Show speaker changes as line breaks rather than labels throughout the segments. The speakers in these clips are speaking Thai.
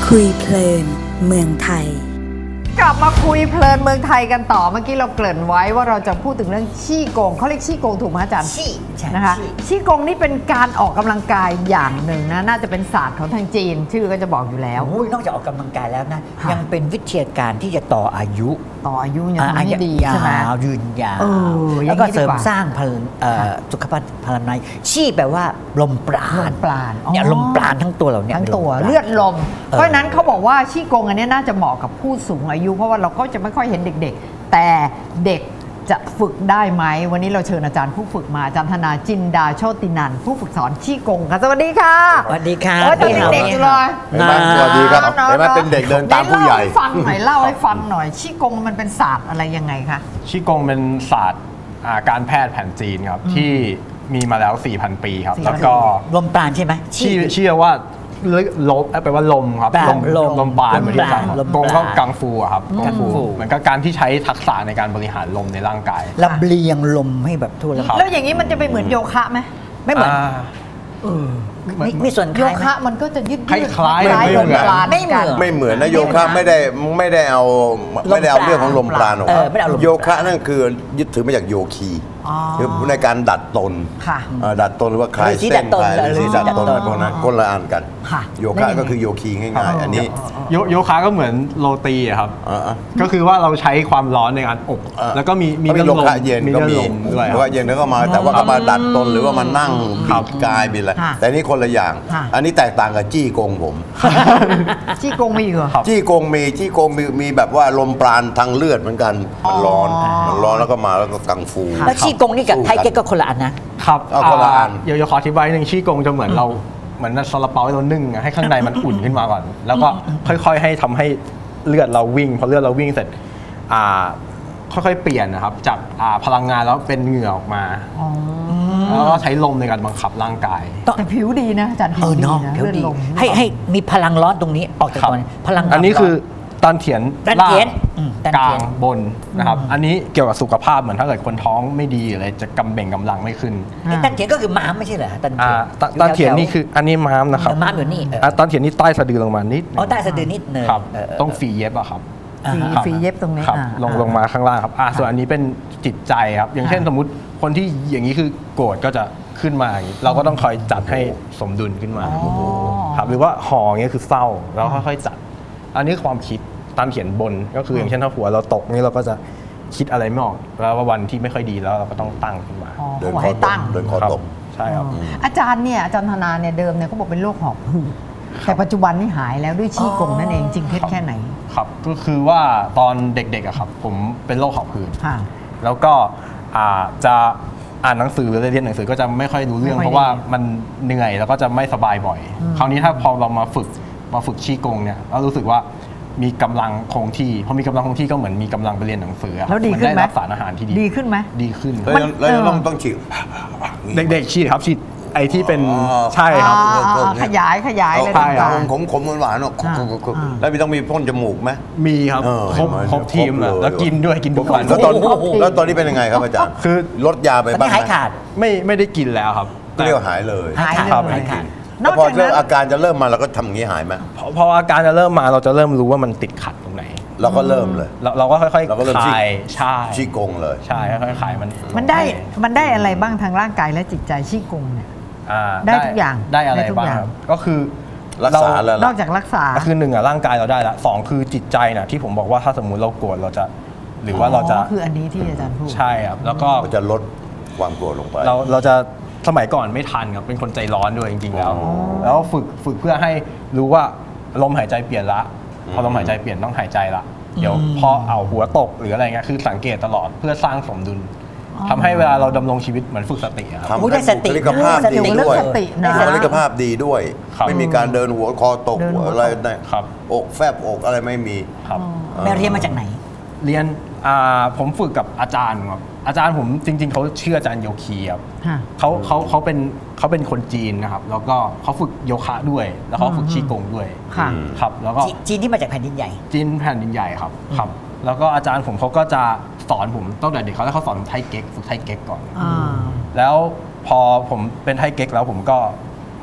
คุยเพลินเมืองไทย
กลับมาคุยเพลินเมืองไทยกันต่อเมื่อกี้เราเกริ่นไว้ว่าเราจะพูดถึงเรื่องชี่โกงเขาเรียกชี่โกงถูกไหมอาจารย์
ชี่
นะคะชี่โกงนี่เป็นการออกกำลังกายอย่างหนึ่งนะน่าจะเป็นศาสตร์ของทางจีนชื่อก็จะบอกอยู่แล้ว
นอกจากออกกำลังกายแล้วนะยังเป็นวิทยาการที่จะต่ออายุ
ยังทำให้ดีใช่ไหม
ยืนยาวแล้วก็เสริมสร้างสุขภาพพลานัยชี่แปลว่าลมปราณเนี่ยลมปราณทั้งตัวเราเนี่ย
ทั้งตัวเลือดลมเพราะนั้นเขาบอกว่าชี่โกงอันนี้น่าจะเหมาะกับผู้สูงอายุเพราะว่าเราก็จะไม่ค่อยเห็นเด็กๆแต่เด็กจะฝึกได้ไหมวันนี้เราเชิญอาจารย์ผู้ฝึกมาอาจารย์ธนาจินดาโชตินันท์ผู้ฝึกสอนชี่กงค่ะสวัสดีค่ะ
สวัสดีค่ะ
ตอนเด็กๆอยู่เลย
สวัสดีครับเห็นไหมเป็นเด็กเดินตามผู้ใหญ่
เล่าให้ฟังหน่อยชี่กงมันเป็นศาสตร์อะไรยังไงคะ
ชี่กงเป็นศาสตร์การแพทย์แผนจีนครับที่มีมาแล้ว 4,000 ปีครับแล้วก็
ลมปราณใช่ไหม
ชื่อว่าลมแปลว่าลมครับลมปราณเหมือนที่กงก็กังฟูครับกังฟูเหมือนกับการที่ใช้ทักษะในการบริหารลมในร่างกาย
ลำเลียงลมให้แบบทั่ว
แล้วอย่างนี้มันจะไปเหมือนโยคะไหม
ไม่เหมือนมีส่วน
โยคะมันก็จะยืด
คล้าย
ลมปราณ
ไม่เหมือนนะโยคะไม่ได้เอาเรื่องของลมปราณออกโยคะนั่นคือยึดถือมาจากโยคีคือในการดัดตนดัดตนหรือว่าคลายเส้นคลายสีดัดตนอะไรพวกนั้นคนละอันกันโยคะก็คือโยคีง่ายๆอันนี้
โยคะก็เหมือนโรตีครับก็คือว่าเราใช้ความร้อนในการอบแล้วก็มี
โยคะเย็นก็มีโยคะเย็นแล้วก็มาแต่ว่าก็มาดัดตนหรือว่ามานั่งบิดกายบิดอะไรแต่นี่คนละอย่างอันนี้แตกต่างกับจี้กงผม
จี้กงมีเหรอ
จี้กงมีแบบว่าลมปราณทางเลือดเหมือนกันมันร้อนแล้วก็มาแล้วก็กังฟู
แล้วชี่กงนี่กับไทเก๊กก็คนละอันนะครับ
คนละอัน
เดี๋ยวขออธิบายหนึ่งชี่กงจะเหมือนเราเหมือนซาลาเปาให้เรานึ่งให้ข้างในมันอุ่นขึ้นมาก่อนแล้วก็ค่อยๆให้ทำให้เลือดเราวิ่งพอเลือดเราวิ่งเสร็จค่อยๆเปลี่ยนนะครับจากพลังงานแล้วเป็นเหงื่อออกมาแล้วก็ใช้ลมในการบังคับร่างกาย
แต่ผิวดีนะอาจารย์ผิวดีนะเลือดลม
ให้มีพลังร้อนตรงนี้ออกจากตัวพลัง
อันนี้คือตอนเถียนล่างกลางบนนะครับอันนี้เกี่ยวกับสุขภาพเหมือนถ้าเกิดคนท้องไม่ดีอะไรจะกำเบ่งกำลังไม่ขึ้น
ตันเถียนก็คือม้ามไม่ใช่เหรอ
ตอนเถียนนี่คืออันนี้ม้ามนะครับ
ม้ามอยู่นี่
ตอนเถียนนี่ใต้สะดือลงมานิด
ใต้สะดือนิดนึง
ต้องฝีเย็บอะครับ
ฝีเย็บตรงนี้
ลงมาข้างล่างครับส่วนอันนี้เป็นจิตใจครับอย่างเช่นสมมุติคนที่อย่างนี้คือโกรธก็จะขึ้นมาเราก็ต้องคอยจัดให้สมดุลขึ้นมาครับหรือว่าห่ออย่างนี้คือเศร้าแล้วค่อยๆจัดอันนี้ความคิดตามเขียนบนก็คืออย่างเช่นถ้าหัวเราตกนี่เราก็จะคิดอะไรไม่ออกแล้วว่าวันที่ไม่ค่อยดีแล้วเราก็ต้องตั้งขึ้นมา
เดินคอตก
ใช่ครับ
อาจารย์ธนาเนี่ยเดิมเนี่ยเขาบอกเป็นโรคหอบหืดแต่ปัจจุบันนี่หายแล้วด้วยชี่กงนั่นเองจริงเท็จแค่ไหน
ครับก็คือว่าตอนเด็กๆอะครับผมเป็นโรคหอบหืดแล้วก็จะอ่านหนังสือหรือเรียนหนังสือก็จะไม่ค่อยรู้เรื่องเพราะว่ามันเหนื่อยแล้วก็จะไม่สบายบ่อยคราวนี้ถ้าพอเรามาฝึกชี่กงเนี่ยเรารู้สึกว่ามีกำลังคงที่พอมีกำลังคงที่ก็เหมือนมีกำลังไปเรียนหนังสือ
แล้วดีขึ้นไหม
ได้รับสารอาหารที่
ดีขึ้นไหม
ดีขึ้น
แล้วต้องฉีด
เด็กๆฉีดครับฉีดไอ้ที่เป็นใช่ครับ
ขยายเลย
ขมหวานๆแล้วต้องมีพ่นจมูกไหม
มีครับครบทีมแล้วกินด้วยกินทุกวัน
แล้วตอนนี้เป็นยังไงครับอาจารย์
คือ
ลดยาไปบ้างไหม
หายขาด
ไม่ได้กินแล้วครับ
เรียกหายเลย
หายขาด
พออาการจะเริ่มมาเราก็ทำอย่างนี้หายไหม
พออาการจะเริ่มมาเราจะเริ่มรู้ว่ามันติดขัดตรงไหน
เราก็เริ่มเลย
เราก็ค่อยๆคลายใช่
ชี่กงเลย
ใช่ค่อยๆคลาย
มันได้อะไรบ้างทางร่างกายและจิตใจชี่กงเนี่ยได้ทุกอย่าง
ได้อะไรบ้างก็คือ
รักษาแล้ว
นอกจากรักษา
ก็คือ1ร่างกายเราได้ละ2คือจิตใจนะที่ผมบอกว่าถ้าสมมุติเราโกรธเราจะหรือว่าเราจะ
คืออันนี้ที่อาจารย์พูด
ใช่ครับแล้วก็
จะลดความโกรธลงไป
เราจะสมัยก่อนไม่ทันครับเป็นคนใจร้อนด้วยจริงๆแล้วฝึกเพื่อให้รู้ว่าลมหายใจเปลี่ยนละพอลมหายใจเปลี่ยนต้องหายใจละเดี๋ยวพอเอาหัวตกหรืออะไรเงี้ยคือสังเกตตลอดเพื่อสร้างสมดุลทำให้เวลาเราดำรงชีวิภเหมือนฝึกสติครับ
ทำให้บุคลิกภาพดีด้วยบุคลิกภาพดีด้วยไม่มีการเดินหัวคอตกอะไรอกแฟบอกอะไรไม่มี
แม่เรียนมาจากไหน
เรียนผมฝึกกับอาจารย์ครับอาจารย์ผมจริงๆเขาชื่ออาจารย์โยคีครับเขาเป็นคนจีนนะครับแล้วก็เขาฝึกโยคะด้วยแล้วเขาฝึกชี่กงด้วยครับแล้วก็
จีนที่มาจากแผ่นดินใหญ่
จีนแผ่นดินใหญ่ครับแล้วก็อาจารย์ผมเขาก็จะสอนผมตั้งแต่เด็กเขาสอนไทเก๊กฝึกไทเก๊กก่อนแล้วพอผมเป็นไทเก๊กแล้วผมก็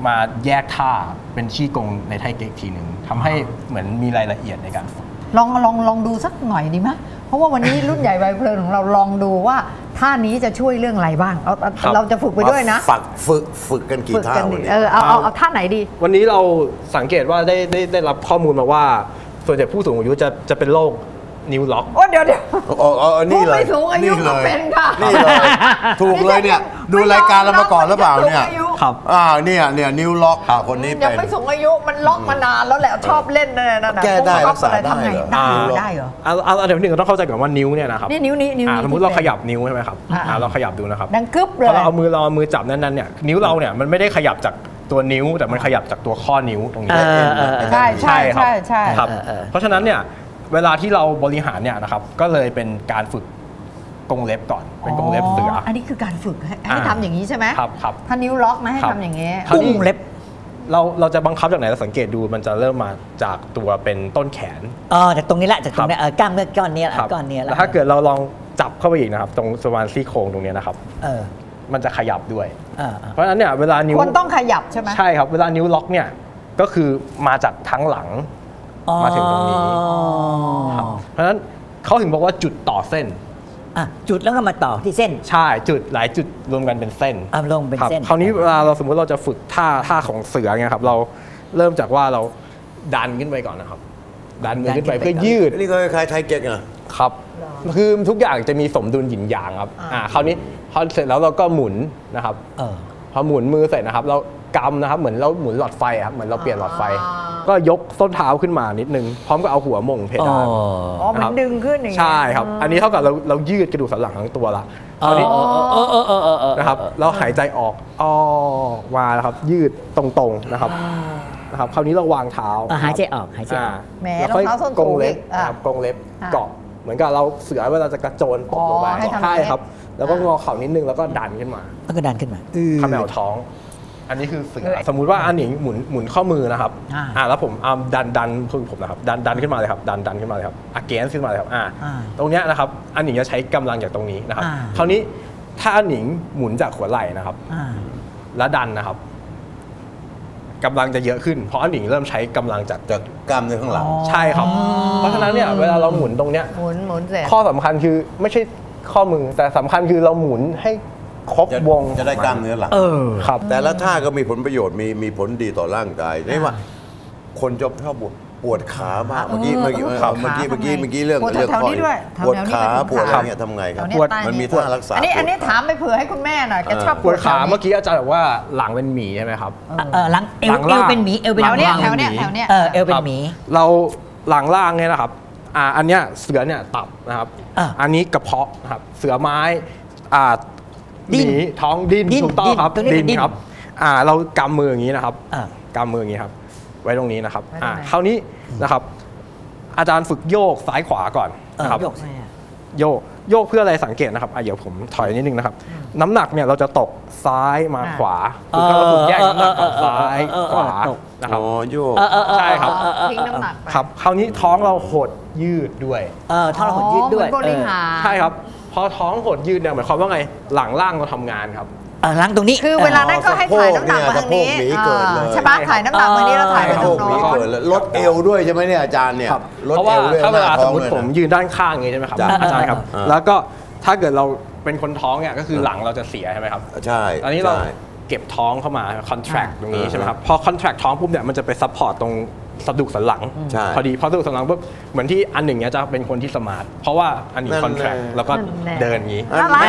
มาแยกท่าเป็นชี่กงในไทเก๊กทีหนึ่งทำให้เหมือนมีรายละเอียดในการฝึก
ลองดูสักหน่อยดีไหมเพราะว่าวันนี้รุ่นใหญ่วัยเพลินของเราลองดูว่าท่านี้จะช่วยเรื่องอะไรบ้างเราจะฝึกไปด้วยนะ
ฝึกกันกี่ท่าวันนี้
เอาท่าไหนดี
วันนี้เราสังเกตว่าได้รับข้อมูลมาว่าส่วนใหญ่ผู้สูงอายุจะเป็นโรคนิ้วล็อก
เดี๋ยว
นี่เลย
ผู้สูงอายุก็เป็นค่ะ
นี่เลยถูกเลยเนี่ยดูรายการเรามาก่อนหรือเปล่าเนี่ย
ครับ
เนี่ยนิ้วล็อกคนนี้เป็น
ยังไม่สูงอายุมันล็อกมานานแล้วแหละชอบเล่นนั่นน่ะ
แก้ได้รักษาได้
ได้เหรอ
เดี๋ยวหนึ่งต้องเข้าใจก่อนว่านิ้วเนี่ยนะครับ
นี่นิ้ว
สมมติเราขยับนิ้วใช่ไหมครับเราขยับดูนะครับ
ดังกึ๊บเลย
พอเราเอามือจับนั้นเนี่ยนิ้วเราเนี่ยมันไม่ได้ขยับจากตัวนิ้วแต่มันขยับจากตัวข้อนิ้วตรงนี้
ใช่
ครับเพราะฉะนั้นเนี่ยเวลาที่เราบริหารเนี่ยนะครับก็เลยเป็นการฝึกกรงเล็บก่อนเป็นกรงเล็บเสือ
อันนี้คือการฝึกให้ทำอย่างนี้ใช่ไหม
ครับ
ถ้านิ้วล็อกนะให้ทำอย่างนี้
กรงเล็บ
เราจะบังคับจากไหนเราสังเกตดูมันจะเริ่มมาจากตัวเป็นต้นแขน
จากตรงนี้แหละจากตรงนี้กล้ามเนื้อก้อนนี้
แล้วถ้าเกิดเราลองจับเข้าไปอีกนะครับตรงสวานซี่โครงตรงนี้นะครับมันจะขยับด้วยเพราะฉะนั้นเนี่ยเวลานิ้ว
คนต้องขยับใช่ไหม
ใช่ครับเวลานิ้วล็อกเนี่ยก็คือมาจากทั้งหลังมาถึงตรงนี้เพราะฉะนั้นเขาถึงบอกว่าจุดต่อเส้น
จุดแล้วก็มาต่อที่เส้น
ใช่จุดหลายจุดรวมกันเป็นเส้น
ลงเป็นเส้น
คราวนี้เวลาเราสมมติเราจะฝึกท่าของเสือไงครับเราเริ่มจากว่าเราดันขึ้นไปก่อนนะครับดันมือขึ้นไปเพื่อยืด
นี่ก็คล้ายไทเก๊ก
ครับคือทุกอย่างจะมีสมดุลหยินหยางครับคราวนี้พอเสร็จแล้วเราก็หมุนนะครับพอหมุนมือเสร็จนะครับเรากำนะครับเหมือนเราหมุนหลอดไฟครับเหมือนเราเปลี่ยนหลอดไฟก็ยกส้นเท้าขึ้นมานิดนึงพร้อมกับเอาหัวม่งเพดาน
เหมือนดึงขึ้นอย่างนี้
ใช่ครับอันนี้เท่ากับเรายืดกระดูกสันหลังทั้งตัวละคราวนี้นะครับเราหายใจออกมาแล้วครับยืดตรงๆนะครับคราวนี้เราวางเท้า
หายใจออกหายใจ
แล้วค่อย
กงเล็บกงเล็บเกาะเหมือนกับเราเสือเวลาจะกระโจนตกลงไปใช่ครับแล้วก็งอเข่านิดนึงแล้วก็ดันขึ้นมา
แล้วก็ดันขึ้นมา
ขมวท้องอันนี้คือเสือสมมุติว่าอันนี้หมุนข้อมือนะครับแล้วผมดันคือผมนะครับดันขึ้นมาเลยครับดันขึ้นมาเลยครับagainst ขึ้นมาเลยครับตรงเนี้ยนะครับอันหนิงจะใช้กำลังจากตรงนี้นะครับคราวนี้ถ้าอันหนิงหมุนจากหัวไหล่นะครับแล้วดันนะครับกำลังจะเยอะขึ้นเพราะอันหนิงเริ่มใช้กำลังจาก
กล้ามเนื้อข้างหลัง
ใช่ครับเพราะฉะนั้นเนี่ยเวลาเราหมุนตรงเนี้ย
หมุนเสร็จ
ข้อสำคัญคือไม่ใช่ข้อมือแต่สำคัญคือเราหมุนให้ครบวง
จะได้กล้ามเนื้อหลัง
ครับ
แต่ละท่าก็มีผลประโยชน์มีผลดีต่อร่างกายนี่ว่าคนชอบปวดขามากเมื่อกี้เรื่อง
ข้อ
ปวดขาปวดอะไรเงี้ยทำไงครับมันมีท่ารักษา
อันนี้ถามไปเผื่อให้คุณแม่หน่อยแกชอบ
ปวดขาเมื่อกี้อาจารย์บอกว่าหลังเป็นหมีใช่ไหมครับ
หลังเอวเป็นหมีเอวเป็น
แถวเนี้ยเอว
เป็นหมี
เราหลังล่างเนี่ยนะครับอันเนี้ยเสือเนี่ยตับนะครับอันนี้กระเพาะนะครับเสือไม้หมีท้องดิ้นถูกต้องครับดิ้นครับเรากำมืออย่างนี้นะครับกำมืออย่างนี้ครับไว้ตรงนี้นะครับคราวนี้นะครับอาจารย์ฝึกโยกซ้ายขวาก่อนนะครับโยกเพื่ออะไรสังเกตนะครับเดี๋ยวผมถอยนิดนึงนะครับน้ำหนักเนี่ยเราจะตกซ้ายมาขวาคือเราฝึกแยกน้ำหนักซ้ายขวานะครับ
โยก
ใช่ครับ
ทิ้งน้ำหนัก
ครับคราวนี้ท้องเราหดยืดด้วย
ท้องเราหดยืดด้วย
ใช่ครับพอท้องหดยืดเนี่ยหมายความว่าไงหลังล่างเราทำงานครับ
หลังตรงนี้
คือเวลานั้นก็ให้ถ่ายน้ำหนักมาทางนี้ใช่ไหมถ่ายน้ำหนักมานี้แล้วถ่ายไปตรงโน้น
ลดเอวด้วยใช่ไหมเนี่ยอาจารย์เนี่ย
ลดเอวด้วยถ้าเวลาสมมติผมยืนด้านข้างอย่างนี้ใช่ไหมครับอาจารย์ครับแล้วก็ถ้าเกิดเราเป็นคนท้องเนี่ยก็คือหลังเราจะเสียใช่ไหมครับ
ใช่
อันนี้เราเก็บท้องเข้ามา contract ตรงนี้ใช่ไหมครับพอ contract ท้องปุ๊บเนี่ยมันจะไป support ตรงสะดุกสันหลังพอดีพอสะดุกสันหลังปุ๊บเหมือนที่อันหนึ่งเนี่ยจะเป็นคนที่สมาร์ทเพราะว่าอันนี้ contract แล้วก็เดินอย่างนี้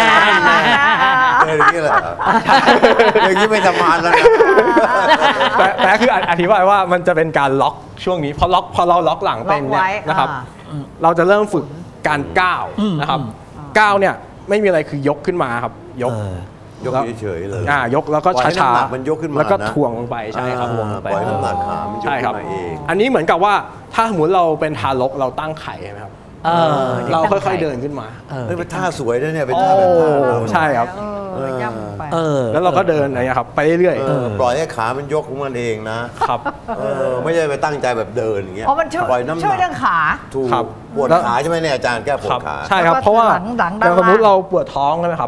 อย่างนี้แหละอย่างนี้ไม่สมาร์ทแล้วนะ
แต่คืออธิบายว่ามันจะเป็นการล็อกช่วงนี้พอเราล็อกหลังเป็นเนี่ยนะครับเราจะเริ่มฝึกการก้าวนะครับก้าวเนี่ยไม่มีอะไรคือยกขึ้นมาครับยก
เฉยๆเลย
ยกแล้วก็ช้าๆ
มันยกขึ้นมา
แล้วก็ถ่วงลงไปใช่ครับถ่วงลงไป
ปล่อยน้ำหนักขามันยกขึ้นมาเอง
อันนี้เหมือนกับว่าถ้าสมมติเราเป็นทารกเราตั้งไข่ใช่ไหมครับเราค่อยๆเดินขึ้นมา
เป็นท่าสวยนะเนี่ยเป็นท่าแบบท่า
ใช่ครับแล้วเราก็เดินอะไรครับไปเรื่อย
ๆปล่อยให้ขามันยกของมันเองนะครับไม่ใช่ไปตั้งใจแบบเดินอย่างเงี้ย
ปล่อยน้ำหนักช่วยเรื่องขา
ถูกปวดขาใช่ไหมเนี่ยอาจารย์แก้ปวดขา
ใช่ครับเพราะว่าอย่างสมมติเราปวดท้องใช่ไหมครับ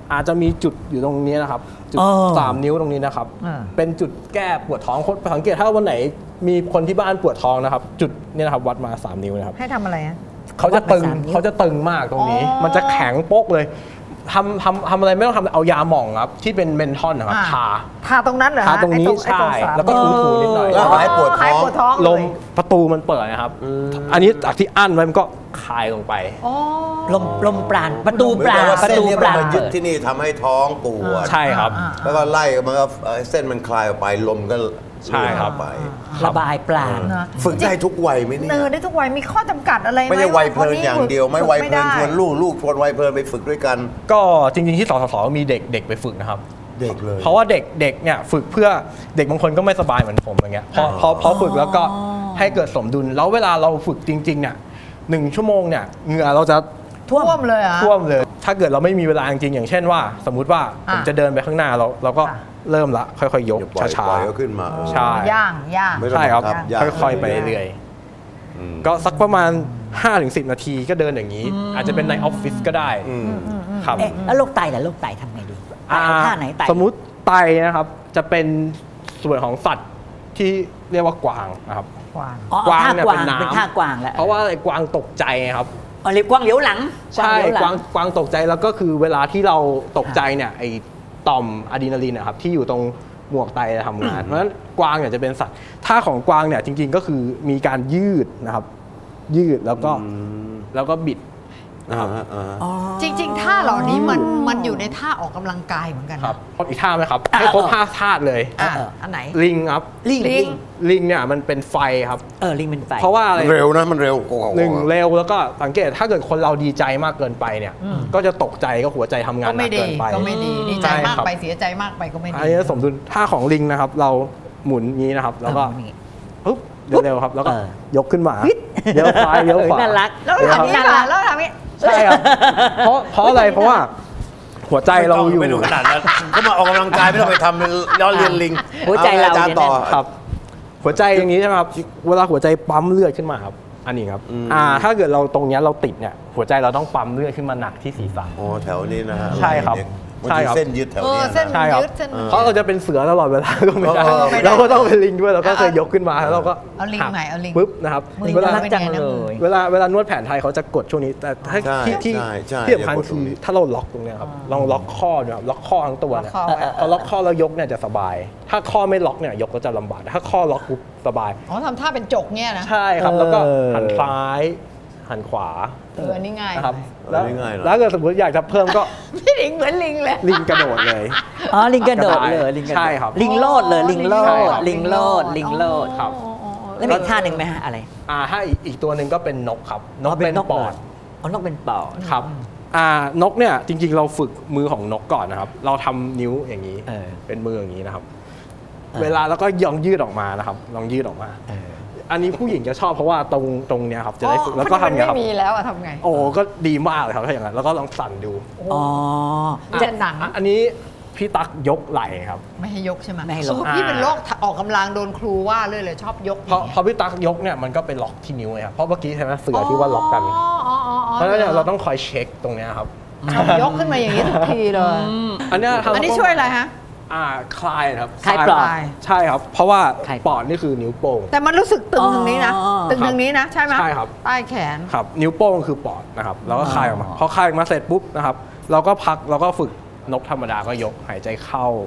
อาจจะมีจุดอยู่ตรงนี้นะครับจุด3 นิ้วตรงนี้นะครับเป็นจุดแก้ปวดท้องสังเกตถ้าวันไหนมีคนที่บ้านปวดท้องนะครับจุดนี้นะครับวัดมา3 นิ้วนะครับ
ให้ทำอะไรฮะ
เขาจะตึงมากตรงนี้มันจะแข็งโป๊กเลยทำอะไรไม่ต้องทำเอายาหม่องครับที่เป็นเมนทอลนะครับ
ทาตรงนั้นเหรอ
ทาตรงนี้ใช่แล้วก็ถูๆนิดหน่อย
แล้วหายปวดท้อง
ลมประตูมันเปิดนะครับอันนี้จากที่อั้นไว้มันก็คลายลงไป
ลมปราณประตูปราณ
มายึดที่นี่ทำให้ท้องปวด
ใช่ครับ
แล้วก็ไล่มันก็เส้นมันคลายออกไปลมก็
ใช่ครับ
ไ
ประบายปราณ
ฝึกได้ทุกวัยไหมเนี่ย
ได้ทุกวัยมีข้อจำกัดอะไรไหม
ไม่ใช่วัยเพลินอย่างเดียวไม่วัยเพลินชวนลูกชวนวัยเพลินไปฝึกด้วยกัน
ก็จริงๆที่สสมีเด็กไปฝึกนะครับ
เด็กเลย
เพราะว่าเด็กเนี่ยฝึกเพื่อเด็กบางคนก็ไม่สบายเหมือนผมอย่างเงี้ยพอฝึกแล้วก็ให้เกิดสมดุลแล้วเวลาเราฝึกจริงๆเนี่ย1 ชั่วโมงเนี่ยเหงื่อเราจะ
ท่วมเลย
ถ้าเกิดเราไม่มีเวลาจริงๆอย่างเช่นว่าสมมุติว่าผมจะเดินไปข้างหน้าเราก็เริ่มละค่อยๆยกช้า
ๆขึ้นมา
ใช่
ย่าง
ใช่ครับค่อยๆไปเรื่อยๆก็สักประมาณ 5-10 นาทีก็เดินอย่างนี้อาจจะเป็นในออฟฟิศก็ได้ครับ
แล้วโรคไตล่ะโรคไตทำไงดีท่าไหนไต
สมมุติไตนะครับจะเป็นส่วนของสัตว์ที่เรียกว่ากวางนะครับ
กวางเนี่ยเป็นน้ำเป็นท่ากวางแล้ว
เพราะว่าไอ้กวางตกใจครับ
เรียกกวางเหลียวหลัง
ใช่กวางตกใจแล้วก็คือเวลาที่เราตกใจเนี่ยไอ้ต่อมอะดรีนาลีนนะครับที่อยู่ตรงหมวกไตจะทำงานเพราะฉะนั้นกวางเนี่ยจะเป็นสัตว์ท่าของกวางเนี่ยจริงๆก็คือมีการยืดนะครับยืดแล้วก็บิด
จริงๆท่าเหล่านี้มันอยู่ในท่าออกกำลังกายเหมือนกัน
ครับอีกท่าไหมครับให้ครบ5 ท่าเลย
อันไหน
ลิงครับลิงเนี่ยมันเป็นไฟครับ
ลิงเป็นไฟ
เพราะว่าอะไร
เร็วนะมันเร็ว
1เร็วแล้วก็สังเกตถ้าเกิดคนเราดีใจมากเกินไปเนี่ยก็จะตกใจก็หัวใจทำงานหนักเกินไป
ก็ไม่ดีดีใจมากไปเสียใจมากไปก็ไม่ดี
อันนี้สมดุลท่าของลิงนะครับเราหมุนงี้นะครับแล้วก็ปุ๊บเร็วๆครับแล้วก็ยกขึ้นมาเลี้ยวซ้ายเลี้ยวขวา
น่ารัก
แล้วทำนี้แล้วทำนี้
ใช่ครับเพราะอะไรเพราะว่าหัวใจเราอยู่
ไม่ดูขนาดนั้นก็มาออกกำลังกายไม่ต้องไปทำเป็นล้อเลียนลิง
หัวใจเรา
จานต่อ
ครับหัวใจอย่างนี้ใช่ไหมครับเวลาหัวใจปั๊มเลือดขึ้นมาครับอันนี้ครับถ้าเกิดเราตรงนี้เราติดเนี่ยหัวใจเราต้องปั๊มเลือดขึ้นมาหนักที่ศีรษะ
โอ้แถวนี้นะฮะ
ใช่ครับ
ใช่ครับเส้นยึดแถวนี้
ใช่ครับ
เพราะเราจะเป็นเสือตลอดเวลาก็ไม่ได้เราก็ต้องเป็นลิงด้วยเราก็เคยยกขึ้นมาแล้วเราก็
เอาลิงไหนเอาลิง
ปุ๊บนะครับ
เวลาจังเลย
เวลานวดแผนไทยเขาจะกดช่วงนี้แต่ที่สำคัญคือถ้าเราล็อกตรงนี้ครับลองล็อกข้อดูครับล็อกข้อทั้งตัวเนี่ยพอล็อกข้อแล้วยกเนี่ยจะสบายถ้าข้อไม่ล็อกเนี่ยยกก็จะลำบากถ้าข้อล็อกปุ๊บสบาย
ทำท่าเป็นจกเนี่ยนะ
ใช่ครับแล้วก็หันซ้ายหันขวา
อันนี้ง่าย
ครับแล้วเกิดสมมติอยากจะเพิ่มก็
พี่ลิงเหมือนลิงเลย
ลิงกระโดดเลย
ลิงกระโดดเลย
ใช่ครับ
ลิงโลดเลยลิงโลด
ครับ
แล้วมีท่าหนึ่งไหมฮะอะไร
ถ้าอีกตัวหนึ่งก็เป็นนกครับนกเป็นปอด
นกเป็นปอด
ครับนกเนี่ยจริงๆเราฝึกมือของนกก่อนนะครับเราทำนิ้วอย่างนี้เป็นมืออย่างนี้นะครับเวลาแล้วก็ลองยืดออกมานะครับลองยืดออกมาอันนี้ผู้หญิงจะชอบเพราะว่าตรงเนี้ยครับจะได้ฝึกแล้วก็ทำอย่างนี้ครับ
ไม่มีแล้วทำไง
โอ้ก็ดีมากเลยครับถ้าอย่างนั้นแล้วก็ลองสั่นดู
จะหนัง
อันนี้พี่ตั๊กยกไหล่ครับ
ไม่ให้ยกใช่ไหมไม่ให้ยกพี่เป็นโรคออกกำลังโดนครูว่าเลยชอบยก
พอพี่ตั๊กยกเนี่ยมันก็เป็นล็อกที่นิ้วไงครับเพราะเมื่อกี้ใช่ไหมเสือที่ว่าล็อกกันเพราะฉะนั้นเราต้องคอยเช็คตรงนี้ครับ
ยกขึ้นมาอย่างนี้ทุกทีเลย
อันนี้
ช่วยอะไรฮะ
คลายครับ
คลายปอด
ใช่ครับเพราะว่าปอดนี่คือนิ้วโป้ง
แต่มันรู้สึกตึงตรงนี้นะตึงตรงนี้นะใช่ไหม
ใช่ครับ
ใต้แขน
ครับนิ้วโป้งคือปอดนะครับแล้วก็คลายออกมาพอคลายออกมาเสร็จปุ๊บนะครับเราก็พักเราก็ฝึกนกธรรมดาก็ยกหายใจเข้า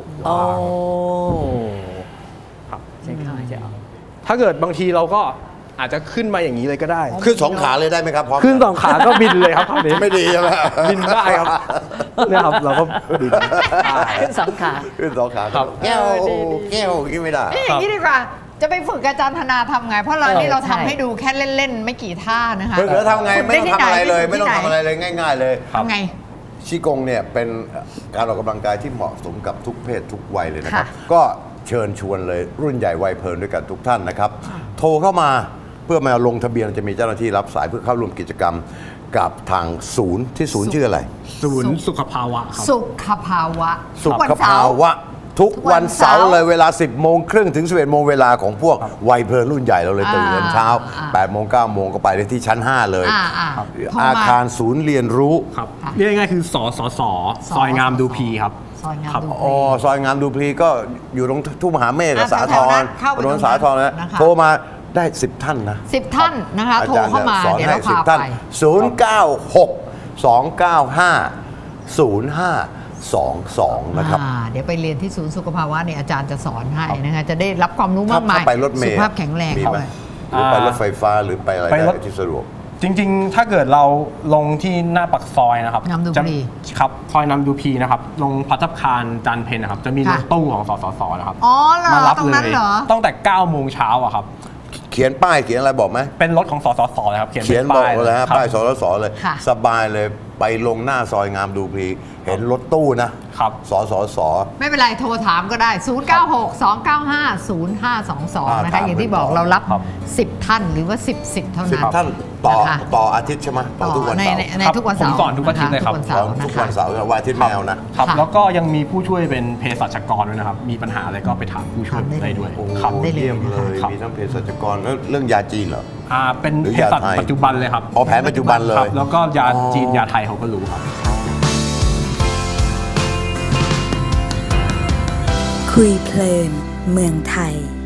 ครับ
ใช่ค่ะจะ
ถ้าเกิดบางทีเราก็อาจจะขึ้นมาอย่างนี้เลยก็ได้
ขึ้น2 ขาเลยได้ไหมครับพร้อม
ขึ้น2 ขาก็บินเลยครับคราวนี้
ไม่ดีใช่ไหม
บินได้ครับเนี่ยครับเราก็บิน
ขึ้น2 ขา
ขึ้น2 ขาครับแก้วขึ้นไม่ได้
อย่างนี้ดีกว่าจะไปฝึกอาจารย์ธนาทำไงเพราะเรานี่เราทำให้ดูแค่เล่นๆไม่กี่ท่านะคะ
ฝึกแล้วทำไงไม่ต้องทำอะไรเลยไม่ต้องทำอะไรเลยง่ายๆเลย
ทำไง
ชีกงเนี่ยเป็นการออกกำลังกายที่เหมาะสมกับทุกเพศทุกวัยเลยนะครับก็เชิญชวนเลยรุ่นใหญ่วัยเพลินด้วยกันทุกท่านนะครับโทรเข้ามาเพื่อมาลงทะเบียนจะมีเจ้าหน้าที่รับสายเพื่อเข้าร่วมกิจกรรมกับทางศูนย์ที่ศูนย์ชื่ออะไร
ศูนย์สุขภาวะครับ
สุขภาวะ
สุขภาวะทุกวันเสาร์เลยเวลา 10 โมงครึ่งถึง 11 โมงเวลาของพวกวัยเพลินรุ่นใหญ่เราเลยตื่นเช้า 8 โมง 9 โมงก็ไปได้ที่ชั้น 5 เลย อาคารศูนย์เรียนรู้
ครับเรียกง่ายๆคือสสซอยงามดูพีครับ
ซอยงามดูพี
ซอยงามดูพีก็อยู่ตรงทุ่งมหาเมฆกับสาทรถนนสาทรนะโทรมาได้ 10 ท่านนะ
10 ท่านนะคะโทรเข้ามาเดี๋ยวเราพาไป
096-295-0522นะครับ
เดี๋ยวไปเรียนที่ศูนย์สุขภาวะเนี่ยอาจารย์จะสอนให้นะคะจะได้รับความรู้มากมาย
ไปรถเมล์
สุขภาพแข็งแรงด้วย
หรือไปรถไฟฟ้าหรือไปอะไรได้ที่สะดวก
จริงๆถ้าเกิดเราลงที่หน้าปากซอยนะครับ
นำดูพี
ครับซอยนำดูพีนะครับลงพัฒคารจันเพนนะครับจะมีรถตู้ของสสสนะครับ
มารับเลย
ตั้งแต่9 โมงเช้าอะครับ
เขียนป้ายเขียนอะไรบอกไหม
เป็นรถของสสสเลยครับ
เขียนบอกเลยฮะป้ายสสสเลยสบายเลยไปลงหน้าซอยงามดูพีเห็นรถตู้นะครับสสส
ไม่เป็นไรโทรถามก็ได้096-295-0522นะคะอย่างที่บอกเรารับ10 ท่านหรือว่า10 สิทธิ์เท่านั้น
10 ท่านต่ออาทิตย์ใช่ไหมต่อทุกวันเสาร์
ในทุกวันเสาร์
ผมสอนทุกอาทิตย์เลยครับ
ทุกวันเสาร์วันอาทิตย์แมวนะครับ
แล้วก็ยังมีผู้ช่วยเป็นเภสัชกรด้วยนะครับมีปัญหาอะไรก็ไปถามผู้ช่วยได้ด้วย
ครับเยี่ยมเลยมีทั้งเภสัชกรแล้วเรื่องยาจีนเหรอ
เป็นเภสัชปัจจุบันเลยครับ
แผนปัจจุบันเลย
แล้วก็ยาจีนยาไทยเขาก็รู้ครับ
คุยเพลินเมืองไทย